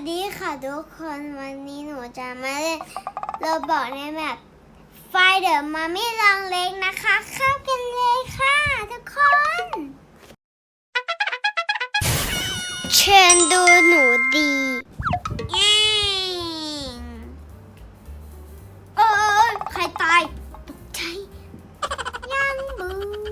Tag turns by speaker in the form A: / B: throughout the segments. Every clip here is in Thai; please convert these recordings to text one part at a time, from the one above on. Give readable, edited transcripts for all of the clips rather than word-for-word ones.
A: ดีค่ะทุกคนวันนี้หนูจะมาเล่นโรบอกในแบบไฟเดอร์มามี่ลองเล็กนะคะเข้ากันเลยค่ะทุกคนเชิญดูหนูดีเอ้ยใครตายตกใจยังบู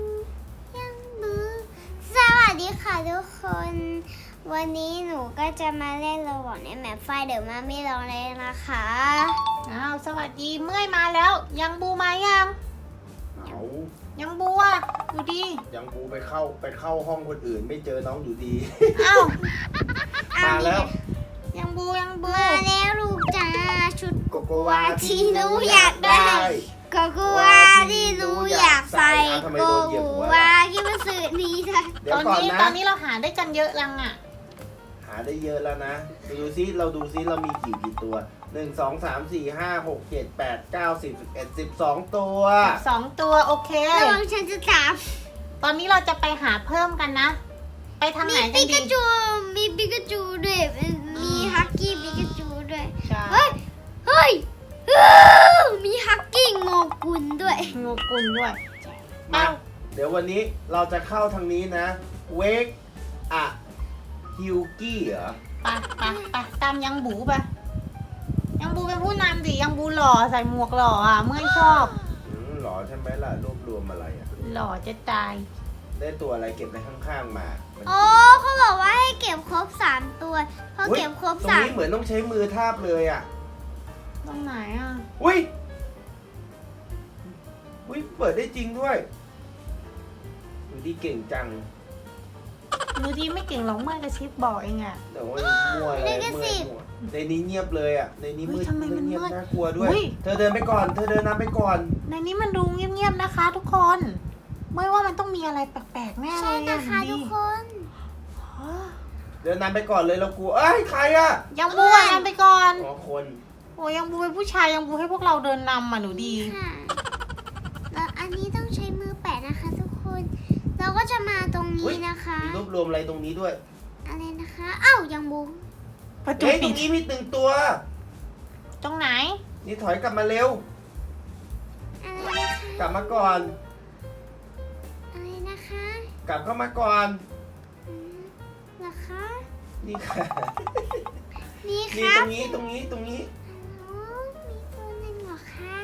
A: สวัสดีค่ะทุกคนวันนี้หนูก็จะมาเล่นโรบอกในแมปไฟเดอร์มามี่ลองเล่นนะคะ
B: อ้าวสวัสดีเมื่อยมาแล้วยังบูมายังยังบูอ่ะดูดี
C: ยังบูไปเข้าห้องคนอื่นไม่เจอน้องอยู่ดี
B: อ้าว
C: มาแล้ว
B: ยังบู
A: มาแล้วลูกจ้าชุด
C: โกโกวา
A: ที่หนูอยากได้โกโกวาที่หนูอยากใส่โกโกวาที่มันสื่อดีค่ะ
B: ตอนนี้เราหาได้กันเยอะยังอ่ะ
C: หาได้เยอะแล้วนะดูซิเราดูซิเรามีกี่ตัว1 2 3 4 5 6 7 8 9 10 11 12ตัว
B: 2ตัวโอเค
A: ระวังฉันจะถาม
B: ตอนนี้เราจะไปหาเพิ่มกันนะไปทางไหนกันดี
A: มีปิกาจูด้วยมีฮักกี้ปิกาจูด้วย
B: เฮ้
A: ยมีฮักกี้โงกุลด้วย
C: มาเดี๋ยววันนี้เราจะเข้าทางนี้นะเวกอะฮิวกี้เหรอ
B: ไปตามยังบูไปยังบูเป็นผู้นำดิยังบูหล่อใส่หมวกหล่ออ่ะเมื่อชอบ
C: หล่อใช่ไหมล่ะรวบรวมอะไรอ่ะ
B: หล่อจะตาย
C: ได้ตัวอะไรเก็บในข้างๆมา
A: อ๋อเขาบอกว่าให้เก็บครบ3ตัวพอเก็บครบ3
C: ตรงนี้เหมือนต้องใช้มือทาบเลยอ่ะ
B: ตรงไหนอ่ะ
C: อุ้ยเปิดได้จริงด้วยดูดีเก่งจัง
B: ดูดีไม่เก่งหรอกเมื่อกระชิบบอกเองอ่ะ
C: แต่ว่ามั่วอะไรในนี้เงียบเลยอ่ะในนี้มืดเงียบน่ากลัวด้วยเธอเดินไปก่อนเธอเดินนำไปก่อน
B: ในนี้มันดูเงียบๆนะคะทุกคนไม่ว่ามันต้องมีอะไรแปลกๆแน่เลย
A: ใช่นะคะทุกคน
C: เดินนำไปก่อนเลยเรากลัวเอ้ยใครอ่ะ
B: ยังบูนำไปก่อน
C: อ๋อคน
B: โอ้ยังบูเป็นผู้ชายยังบูให้พวกเราเดินนำอ่ะหนูดี
A: แล้วอันนี้ต้องใช้มือแปะนะคะทุกคนเราก็จะมาตรงนี้นะคะ
C: มีรวบรวมอะไรตรงนี้ด้วย
A: อะไรนะคะอ้าวยังบู
C: ประตูตรงนี้มี1ตัว
B: ตรงไหน
C: นี่ถอยกลับมาเร็วกลับมาก่อน
A: อะไรนะคะ
C: กลับเข้ามาก่อน
A: เหรอคะ
C: นี่ค่ะ
A: นี่ค่ะ
C: ตรงนี้
A: มีตัวหนึ่งเหรอคะ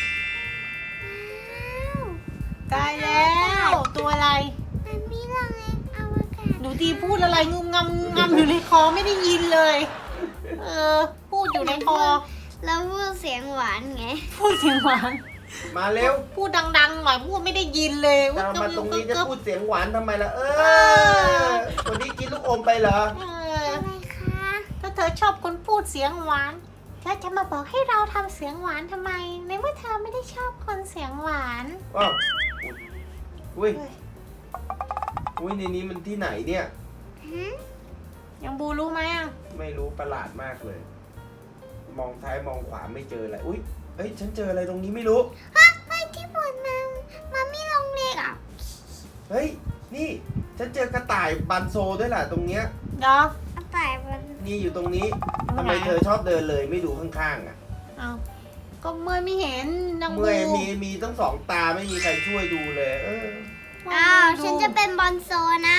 B: ตายแล้วตัวอะไร
A: มันมีลองเองอวกาศ
B: หนูดีพูดอะไรงุมงำอยู่ในคอไม่ได้ยินเลยพูดอยู่ในคอ
A: แล้วพูดเสียงหวานไง
B: พูดเสียงหวาน
C: มาเร็ว
B: พูดดังๆหน่อยพูดไม่ได้ยินเลย
C: มาตรงนี้จะพูดเสียงหวานทำไมล่ะคนนี้กินลูกอมไปเหรอ
A: อะไรคะ
B: ถ้าเธอชอบคนพูดเสียงหวานเธอจะมาบอกให้เราทำเสียงหวานทำไมในเมื่อเธอไม่ได้ชอบคนเสียงหวาน
C: ว้าวอุ้ยในนี้มันที่ไหนเนี่ย
B: ยังบูรู้ไหมอ่ะ
C: ไม่รู้ประหลาดมากเลยมองซ้ายมองขวาไม่เจออะไรอุ้ยฉันเจออะไรตรงนี้ไม่รู้
A: เฮ้ยที่บนมันไม่ลงเล็กอ่ะ
C: เฮ้ยนี่ฉันเจอกระต่ายบันโซด้วยแหละตรงเนี้ย
B: เนาะ
A: กระต่ายบัน
C: นี่อยู่ตรงนี้ทำไมเธอชอบเดินเลยไม่ดูข้างๆอ่ะ
B: ก็เมื่อไม่เห็นนางบู
C: เมื่อมีตั้ง2 ตาไม่มีใครช่วยดูเลย
A: ฉันจะเป็นบอลโซนะ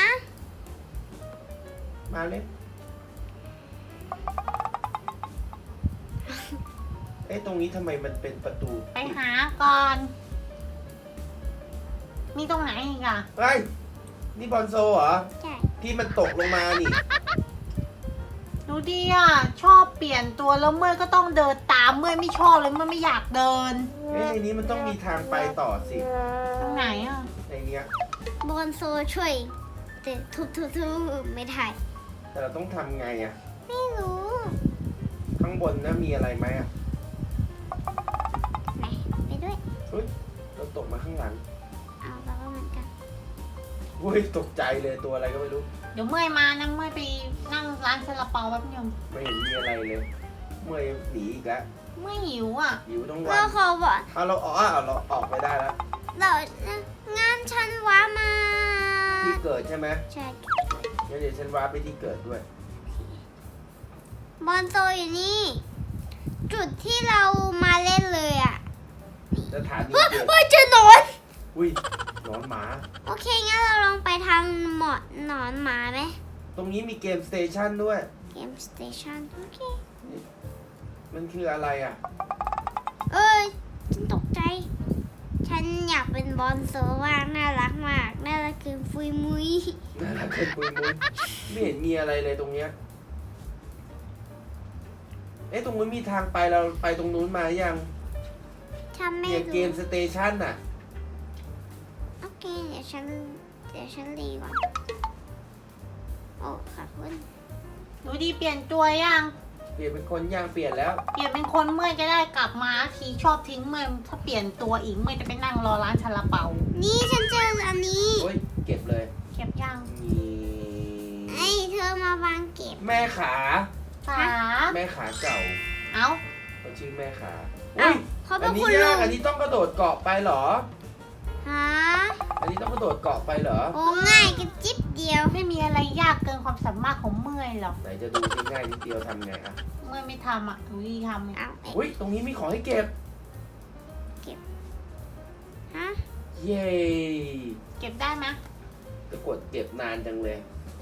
C: มาเลยตรงนี้ทำไมมันเป็นประตู
B: ไปหาก่อนมีตรงไหนอีกอ่ะ
C: นี่บอลโซเหรอ
A: ใช่
C: ที่มันตกลงมานี่
B: ดูดิอ่ะชอบเปลี่ยนตัวแล้วเมื่อก็ต้องเดินตามเมื่อไม่ชอบเลยเมื่อไม่อยากเดิน
C: ในนี้มันต้องมีทางไปต่อสิ
B: ตรงไหนอ่ะ
C: ในเนี้ย
A: บอลโซช่วยแต่ทุบไม่ได้
C: แต่เราต้องทำไงอ่ะ
A: ไม่รู้
C: ข้างบนนะมีอะไรไหมอ่ะ
A: ไปด้วย
C: เราตกมาข้างหลัง
A: เราก็เหมือนกัน
C: ตกใจเลยตัวอะไรก็ไม่รู้
B: เดี๋ยวเมื่อยมานะเมื่อยไปนั่งร้านซาลาเปาแป๊บนึง
C: ไม่เห็นมีอะไรเลยเมื่อยหนีอีกแล้ว
B: เมื่อยหิวอ่ะ
C: หิวทั้งวัน
A: เราขอบอก
C: เราออกไปได้แล้ว
A: งานฉันว้ามา
C: ที่เกิดใช่ไหม
A: ใช่
C: งั้นเดี๋ยวฉันว้าไปที่เกิดด้วย
A: บอลโซอยู่นี่ จุดที่เรามาเล่นเลยอ่ะ
C: สถานี
A: เฮ้ย
C: เกียรติ
A: เฮ้ยเจอหนอน
C: อุ้ยหนอนหมา
A: โอเคงั้นเราลองไปทางหนอนหมาไหม
C: ตรงนี้มีเกมสเตชันด้วย
A: เกมสเตชันโอเค
C: มันคืออะไรอ่ะ
A: เอ้ยฉันตกใจ ฉันอยากเป็นบอลโซมากน่ารักมากน่ารักคือฟุยมุย
C: น่ารักเกินปุยมุ้ยไม่เห็นมีอะไรเลยตรงเนี้ย เอ๊ะตรงนู้นมีทางไปเราไปตรงนู้นมายัง
A: ฉันไม่
C: เนี่ยเก
A: รู้
C: มสเตชันน่ะ
A: โอเคเดี๋ยวฉันรีก่อนโอ้ขอบคุณ
B: หนูดีเปลี่ยนตัวยัง
C: เปลี่ยนเป็นคนย่างเปลี่ยนแล้ว
B: เปลี่ยนเป็นคนเมื่อยจะได้กลับมาทีชอบทิ้งเมื่อยถ้าเปลี่ยนตัวอีกเมื่อยจะไปนั่งรอร้านซาลาเปา
A: นี่ฉันเจออันนี้
C: โอ้ยเก็บเลย
B: เก็บยัง
C: นี่
A: ไอ้เธอมาวางเก็บ
C: แม่ขา
B: ขา
C: แม่ขาเก่า
B: เอ้า
C: เขาชื่อแม่ขา
A: อ้า
C: อุ้
A: วย เขาเป็
C: อั
A: น
C: นนี้
A: คุณลุ
C: ยาก
A: ง
C: อันนี้ต้องกระโดดเกาะไปเหรอ
A: ฮะ
C: อันนี้ต้องกระโดดเกาะไปเหรอ
A: โอ้ง่ายกันจิ๊บเดียว
B: ไม่มีอะไรยากเกินความสามารถของเมื่อยหรอก
C: ไหนจะดูที่ง่ายนิดเดียวทำไงอ่ะ
B: เมื่อยไม่ทำอ่ะหนูดีทำเนี่ย
A: เอา
C: อุ้ยตรงนี้มีของให้เก็บ
A: ฮะ
C: เย้
B: เก็บได้ไหม
C: จะกดเก็บนานจังเลย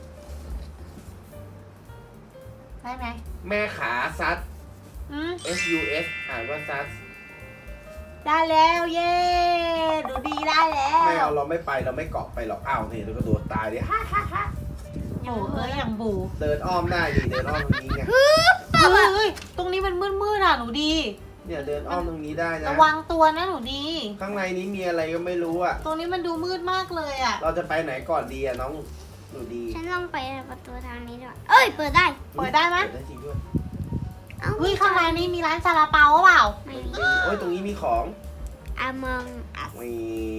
B: ได้ไหม
C: แม่ขาซัด SUS อ่านว่าซัด
B: ได้แล้วเย้ดูดีได้แล้
C: ไม่
B: ว
C: เอาเราไม่ไปเราไม่เกาะไปหรอกอ้าวนี่เรากระโดดตายดิฮ่าฮ่าฮ่า
B: โอ้เอ้ยอย่างบู
C: เดินอ้อมได้ดิเดินอ้อมตรงนี้ไง
B: เฮ้ยตรงนี้มันมืดๆอ่ะหนูดี
C: เนี่ยเดินอ้อมตรงนี้ได้นะ
B: ระวังตัวนะหนูดี
C: ข้างในนี้มีอะไรก็ไม่รู้อ่ะ
B: ตรงนี้มันดูมืดมากเลยอ่ะ
C: เราจะไปไหนก่อนดีอ่ะน้องหนูดี
A: ฉันลองไปประตูทางนี้ด้วยเอ้ยเปิดได้
B: เปิดได้ไหม
C: เปิดได้จริงด้วย
A: เอ้า
B: เฮ้ยข้างในนี้มีร้านซาลาเปาหรือเปล่า
A: ไม่มี
C: โอ้ยตรงนี้มีของ
A: Among Us
C: มี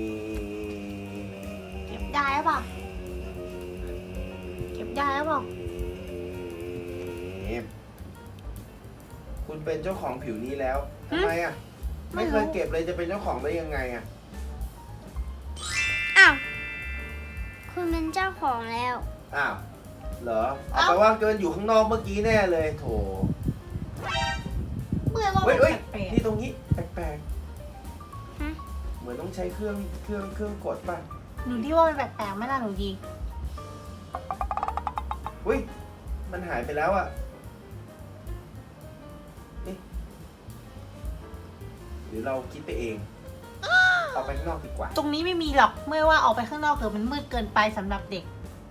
B: เก็บได้หรือเปล่า เก็บได้หรือเปล่า
C: คุณเป็นเจ้าของผิวนี้แล้วทำไมอ่ะ ไม่เคยเก็บเลยจะเป็นเจ้าของได้ยังไงอ่ะ
A: อ้าวคุณเป็นเจ้าของแล้ว
C: อ้าวเหรอเอาไปว่าเกินอยู่ข้างนอกเมื่อกี้แน่เลยโถ
B: เมื่อยว่า
C: เฮ้ย
B: มัน
C: เฮ้ย
B: แปลก
C: นี่ตรงนี้แปลก
A: ฮะ
C: ๆเหมือนต้องใช้เครื่องกดป่ะ
B: ๆหนูที่ว่ามันแปลกๆไหมล่ะหนูดี
C: อุ้ยมันหายไปแล้วอ่ะนี่หรือเราคิดไปเองเอาไปข้างนอกดีกว่า
B: ตรงนี้ไม่มีหรอกเมื่อยว่าออกไปข้างนอกเถอะมันมืดเกินไปสำหรับเด็ก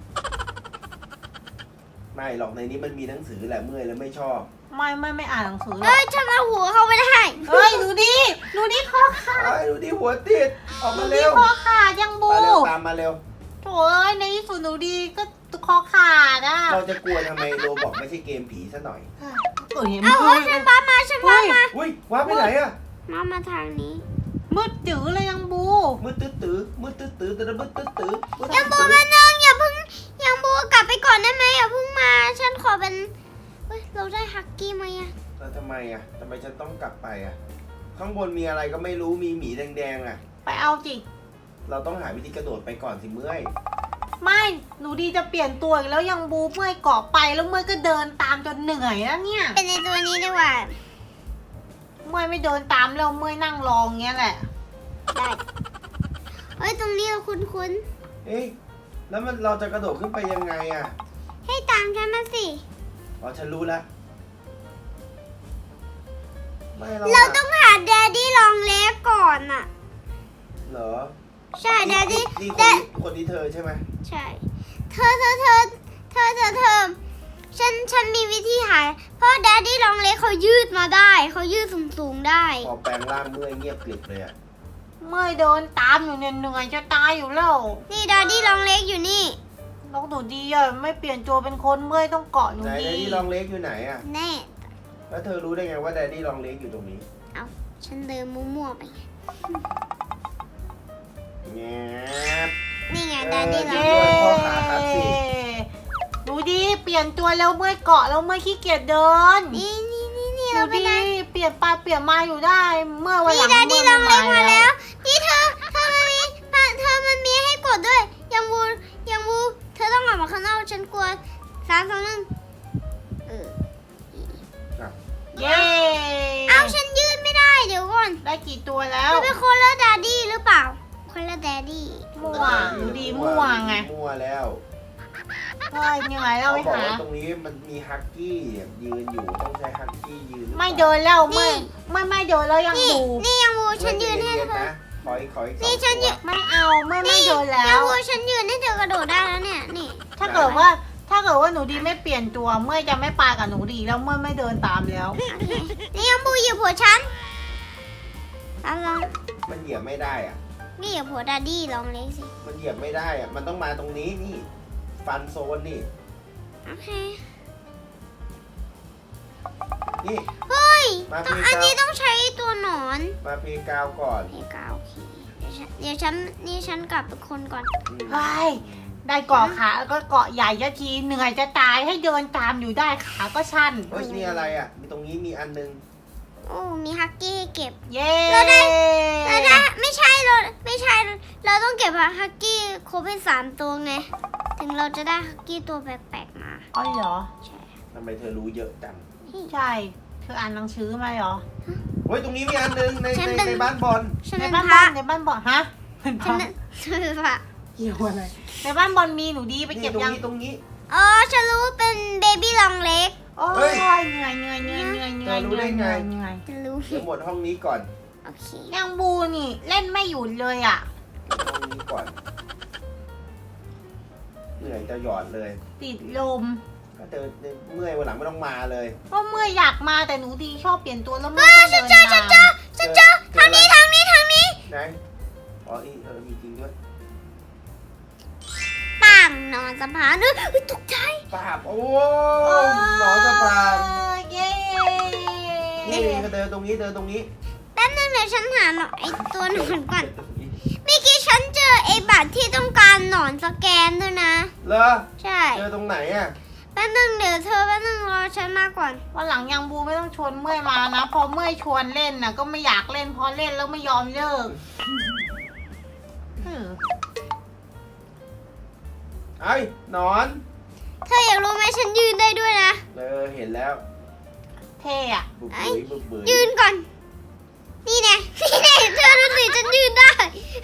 C: ไม่หรอกในนี้มันมีหนังสือแหละเมื่อยแล้วไม่ชอบ
B: ไม่อ่านหนังสือหรอก
A: เอ้ยฉันเอาหัวเข้าไปได้
B: เฮ้ยหนูดีคอขาด
C: ไอ้ยดูดิหัวติดออก
B: หนู
C: มา
B: ดี
C: เร็ว
B: คอขาดยังบู
C: มาเร็วตามมาเร็ว
B: โถ่เอ้ยในที่สุดหนูดีก็คอขาดอ่ะ
C: เราจะกลัวทำไมโรบอกไม่ใช่เกมผีซะหน่อย
B: เอ้ย
A: เอา
B: มืด
A: ฉันบ้ามาฉันบ้ามา
C: อุ้ยว้าไปไหนอ่ะ
A: มาทางนี้
B: มืดจื๋อเลยยังบู
C: มืดตื้อมืดตื้อมืดตื้อ
A: ยังบูมานึงอย่าเพิ่งยังบูกลับไปก่อนได้ไหมอย่าเพิ่งมาฉันขอเป็นเฮ้ยเราได้ฮักกี้ไหมอะ
C: แล้วทำไมอ่ะทำไมฉันต้องกลับไปอ่ะข้างบนมีอะไรก็ไม่รู้มีหมีแดงๆอ่ะ
B: ไปเอาจิ
C: เราต้องหาวิธีกระโดดไปก่อนสิเมื่อย
B: ไม่หนูดีจะเปลี่ยนตัวอีกแล้วยังบูเมื่อยเกาะไปแล้วเมื่อยก็เดินตามจนเหนื่อยแล้วเนี่ย
A: เป็นในตัวนี้ดีกว่า
B: เมื่อยไม่เดินตามแล้วเมื่อยนั่งรองเงี้ยแหละ
A: ได้เฮ้ยตรงนี้เราคุ้น
C: เอ๊ะแล้วมันเราจะกระโดดขึ้นไปยังไงอ่ะ
A: ๆให้ตามฉันมาสิ
C: อ๋อฉันรู้แล้วไม่เรา
A: เราต้องหาแดดดี้ลองเล็กก่อนอะ
C: เหรอ
A: ใช่แดดดี้
C: นี่
A: แดด
C: คนนี้เธอใช่ไหม
A: ใช่ เธอฉันมีวิธีหาเพราะแดดดี้ลองเล็กเขายืดมาได้เขายืดสูงๆได้
C: พอแปลงร่างเมื่อยเงียบกริบเลยอ่ะ
B: เมื่อยเดินตามอยู่เนี่ยเหนื่อยจะตายอยู่แล้ว
A: นี่แดดดี้ลองเล็กอยู่นี่
B: น้องหนูดีอ่ะไม่เปลี่ยนตัวเป็นคนเมื่อยต้องเกาะหนู
C: ไหน
B: ดี
C: แดดดี้ลองเล็กอยู่ไหนอ่ะ
A: แน่
C: แล้วเธอรู้ได้ไงว่าแดดดี้ลองเล็กอยู่ตรงนี้
A: เอาฉันเดินมั่วๆไป
C: แงบ
A: นี่ไงแดดดี้ลอง
B: เย้
A: เล็ก
C: พ่อขาครับสิ
B: หนูดีเปลี่ยนตัวแล้วเมื่อยเกาะแล้วเมื่อยขี้เกียจเดิน
A: นี่
B: หนู
A: เราไป
B: ดี
A: ได้
B: เปลี่ยนไปเปลี่ยนมาอยู่ได้เมื่อวันห
A: นี่
B: ลัง
A: แดดดี้ลองเล็กมา
B: แล้
A: แล้ว ว นี่เธอมันมีให้กดด้วย ยังบูเธอต้องออกมาข้างนอกฉันกลัว3 2 1
C: อ่ะ
B: เย้
A: เอาฉันยืนไม่ได้เดี๋ยวก่อน
B: ได้กี่ตัวแล้ว
A: มันเป็นคนละดาดี้หรือเปล่า คนละแดดดี้
B: มั่วหนูดีมั่วไง
C: มั่วแล้ว
B: เฮ้ยยังไงเรา
C: เขา
B: ไป
C: บอก
B: หา
C: ว่าตรงนี้มันมีฮักกี้ยืนอยู่ต้องใช้ฮักกี้ยืน
B: ไม่เดินแล้วไม่เดินแล้วยัง
A: นี่
B: ดู
A: นี่ยังวูฉันยืนให้เธอ
C: นะขออีกสอง
A: นี่ฉันยืน
B: ไม่เอาไม่เดินแล้
A: ยัง
B: ว
A: วูฉันยืนให้เธอกระโดดได้แล้วเนี่ย นี่
B: ถ้าเกิดว่าหนูดีไม่เปลี่ยนตัวเมื่อยจะไม่ไปกับหนูดีแล้วเมื่อยไม่เดินตามแล้ว
A: โอเคนี่ยังวูเหยียบหัวฉันเอาลอง
C: มันเหยียบไม่ได้อ่ะ
A: นี่เหยียบหัวดาดี้ลองเล็กสิ
C: มันเหยียบไม่ได้อ่ะมันต้องมาตรงนี้นี่ฟันโซนนี่
A: โอเค
C: นี่
A: เฮ้ย
C: มา
A: ต้อง
C: เพลง
A: อันนี้
C: เก่า
A: ต้องใช้ตัวหนอน
C: มาเพลงกาวก่อน
A: เพกาโอเคเดี๋ยวฉันนี่ฉันกลับเป็นคนก่อน
C: อืม
B: เฮ้ยได้เกาะขาแล้วก็เกาะใหญ่จะทีเหนื่อยจะตายให้เดินตามอยู่ได้ขาก็ชัน
C: เฮ้ยนี่อะไรอ่ะมีตรงนี้มีอันนึง
A: โอ้มีฮักกี้ให้เก็บ
B: เย้
A: แล้วได้ไม่ใช่เราต้องเก็บฮักกี้ครบให้3 ตัวไง ถึงเราจะได้ฮักกี้ตัวแปลกๆมา
B: อ๋อเหรอ
A: ใช่
C: ทำไมเธอรู้เยอะจัง
B: ใช่เธออ่านหนังสือมาเหรอ
C: เฮ้ยตรงนี้มีอันนึงในบ้านบอล
A: ฉัน
B: ใน
A: เป็น
B: บ้าน
A: พระ
B: ในบ้านบอกฮะเป็นพ
A: ฉั
B: ระ
A: นเป็นพระ
B: เกี่ยวอะไรในบ้านบอลมีหนูดีไป
C: นี่
B: เก็บ
C: ตรง
B: ยัง
C: นี้ตรงนี้
A: อ๋อฉันรู้ว่าเป็นเบบี้ลองเล็ก
B: โอ้
C: เฮ้
B: ย
C: ย
B: เหนื่อย
C: เธอรู้ได้ไง
A: ฉันรู้
C: เดี๋ยวหมดห้องนี้ก่อน
A: โอเค
B: ยังบูนี่เล่นไม่หยุดเลยอ่ะ
C: ห้องนี้ก่อนเหนื่อยจะหยอดเลย
B: ติดลม
C: ถ้าเธอเมื่อยวันหลังไม่ต้องมาเลย
B: ก็เมื่ออยากมาแต่หนูดีชอบเปลี่ยนตัวแล้วเมื่อต้องเดินตาม
A: ฉันเจอทางนี้
C: ไหนอ๋อมีจริงด้วย
A: ปังนอนสะพานด้วยตกใจ
C: ปาบโอ้หนอนสะพาน
B: เย้
C: นี่ก็เดินตรงนี้เดินตรงนี้
A: แป๊บนึงเดี๋ยวฉันหาหนอนไอตัวหนอนก่อน เมื่อกี้ฉันเจอไอ้บัตรที่ต้องการหนอนสแกนด้วยนะ
C: เหรอ
A: ใช่
C: เจอตรงไหนอ่ะ
A: แป๊บนึงเดี๋ยวเธอแป๊บนึงรอฉันมาก่อน
B: วันหลังยังบูไม่ต้องชวนเมื่อยมานะพอเมื่อยชวนเล่นน่ะก็ไม่อยากเล่นพอเล่นแล้วไม่ยอมเลิก
C: ไอ้หนอน
A: เธออยากรู้ไหมฉันยืนได้ด้วยนะ
C: เห็นแล้ว
B: เท่อะ
C: บุบเบยบุบเบย
A: ยืนก่อน นี่ไงเธอดูสิฉันยืนได้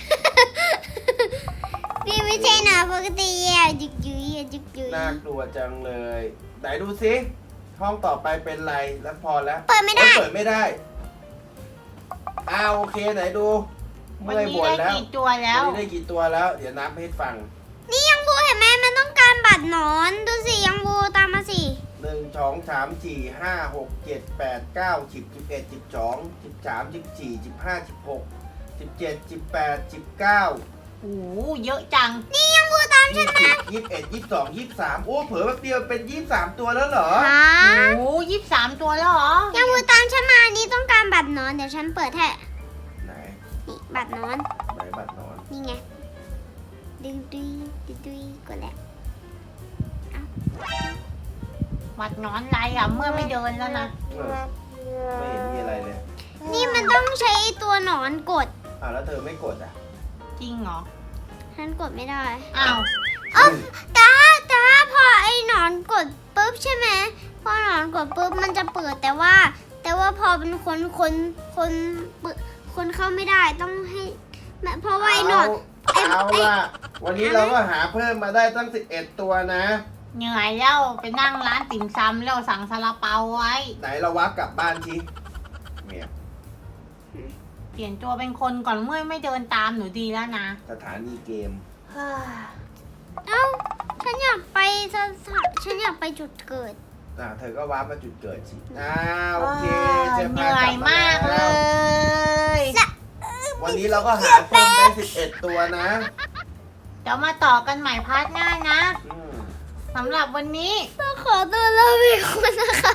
A: นี่ไม่ใช่หนาปกติอ่ะยึกยืยยึกยืย
C: น่ากลัวจังเลย ไหนดูสิห้องต่อไปเป็นไรแล้วพอแล้ว
A: เปิดไม่ได้
C: เปิดไม่ได้โอเคไหนดู
B: วัน
C: เมื่อย
B: นี้
C: บ่น
B: ได้
C: แล้ว
B: กี่ตัวแล้ว
C: วันนี้ได้กี่ตัวแล้ว เดี๋ยวนับให้ฟัง
A: นี่ยังบูเห็นไหมมันต้องการบัตรหนอนดูสิยังบูตามมาสิ
C: 1 2 3 4 5 6 7 8 9 10 11 12 13 14 15 16 17 18 19
B: โอ้โหเยอะจัง
A: นี่ยังบูตามฉันมา
C: 20 21 22 23โอ้เผลอแป๊บเดียวเป็น23ตัวแล้วเหรอ
A: ฮะ
B: โอ้23 ตัวแล้วเหรอ
A: ยังบูตามฉันมาอันนี้ต้องการบัตรหนอนเดี๋ยวฉันเปิดให้
C: ไหน
A: นี่บัตรหนอน
C: ไหนบัตรนอน
A: นี่ไงดึงดุยกดแล้ว
B: วัดนอนไรอ่ะเมื่อไม่เดินแล้วนะ
C: ไม่เห็นมีอะไรเลย
A: นี่มันต้องใช้ตัวหนอนกด
C: แล้วเธอไม่กดอ่ะ
B: จริงเหรอ
A: ฉันกดไม่ได้
B: อ้าว
A: แต่ถ้าพอไอ้หนอนกดปุ๊บใช่ไหมพอหนอนกดปุ๊บมันจะเปิดแต่ว่าพอเป็นคนเข้าไม่ได้ต้องให้เพราะว่าไอ้หนอน
C: เอาล่ะ วันนี้เราก็หาเพิ่มมาได้ตั้ง11ตัวนะ
B: เหนื่อยแล้วไปนั่งร้านติ่มซำแล้วสั่งซาลาเปาไว้
C: ไหนเราวับกลับบ้านทีเนี่ย
B: เปลี่ยนตัวเป็นคนก่อนเมื่อยไม่เดินตามหนูดีแล้วนะ
C: สถานีเกม
B: เฮ้ย
A: เอ้าฉันอยากไปฉันอยากไปจุดเกิด
C: เธอก็วับมาจุดเกิดสิโอเค
B: เหนื่อยมากเลย
C: วันนี้เราก็หาเพิ่มได้11ตัวนะ
B: เดี๋ยวมาต่อกันใหม่พาร์ทหน้านะ
C: อืม
B: สำหรับวันนี้
A: ก็ขอตัวลาไปก่อนนะคะ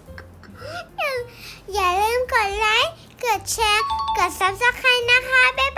A: อย่าลืมกดไลค์ กดแชร์ กด subscribe นะคะ บ๊าย